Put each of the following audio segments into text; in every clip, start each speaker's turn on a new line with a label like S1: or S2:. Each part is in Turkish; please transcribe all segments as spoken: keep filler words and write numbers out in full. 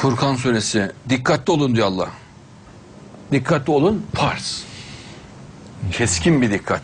S1: Furkan suresi. Dikkatli olun diyor Allah. Dikkatli olun. Pars. Keskin bir dikkat.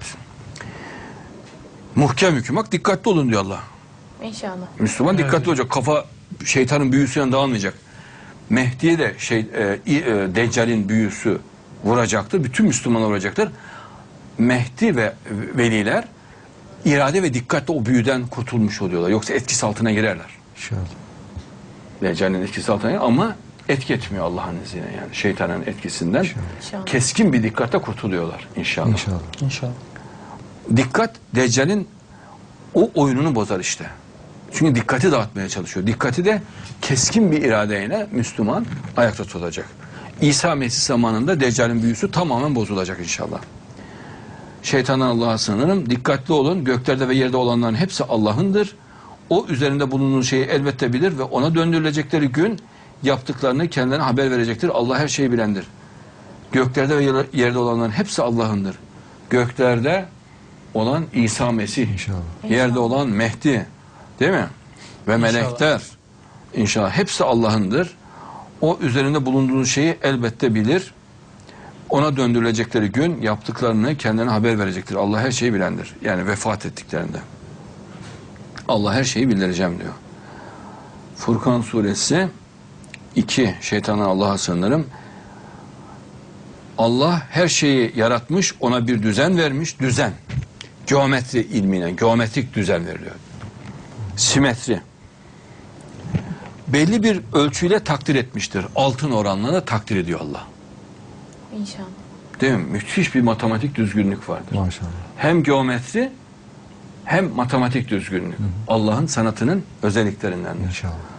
S1: Muhkem hüküm. Dikkatli olun diyor Allah.
S2: İnşallah.
S1: Müslüman dikkatli evet. olacak. Kafa şeytanın büyüsüyle dağılmayacak. Mehdi'ye de şey, e, e, Deccal'in büyüsü vuracaktır. Bütün Müslümanlar vuracaktır. Mehdi ve veliler irade ve dikkatle o büyüden kurtulmuş oluyorlar. Yoksa etkisi altına girerler.
S3: İnşallah.
S1: Deccal'in etkisi altına girer ama etki etmiyor Allah'ın izniyle yani. Şeytanın etkisinden
S2: İnşallah. Keskin
S1: bir dikkatle kurtuluyorlar inşallah.
S3: İnşallah.
S4: İnşallah.
S1: Dikkat Deccal'in o oyununu bozar işte. Çünkü dikkati dağıtmaya çalışıyor. Dikkati de keskin bir iradeyle Müslüman ayakta tutacak. İsa Mesih zamanında Deccal'in büyüsü tamamen bozulacak inşallah. Şeytandan Allah'a sığınırım. Dikkatli olun. Göklerde ve yerde olanların hepsi Allah'ındır. O üzerinde bulunduğun şeyi elbette bilir ve ona döndürülecekleri gün yaptıklarını kendilerine haber verecektir. Allah her şeyi bilendir. Göklerde ve yerde olanların hepsi Allah'ındır. Göklerde olan İsa Mesih.
S3: İnşallah.
S1: Yerde olan Mehdi. Değil mi? Ve
S4: İnşallah.
S1: melekler. İnşallah hepsi Allah'ındır. O üzerinde bulunduğun şeyi elbette bilir. Ona döndürülecekleri gün yaptıklarını kendilerine haber verecektir. Allah her şeyi bilendir. Yani vefat ettiklerinde. Allah her şeyi bildireceğim diyor. Furkan suresi iki. Şeytandan Allah'a sığınırım. Allah her şeyi yaratmış, ona bir düzen vermiş. Düzen. Geometri ilmine, geometrik düzen veriliyor. Simetri. Belli bir ölçüyle takdir etmiştir. Altın oranla da takdir ediyor Allah.
S2: İnşallah.
S1: Değil mi? Müthiş bir matematik düzgünlük vardır.
S3: Maşallah.
S1: Hem geometri hem matematik düzgünlük. Allah'ın sanatının özelliklerindendir.
S3: İnşallah.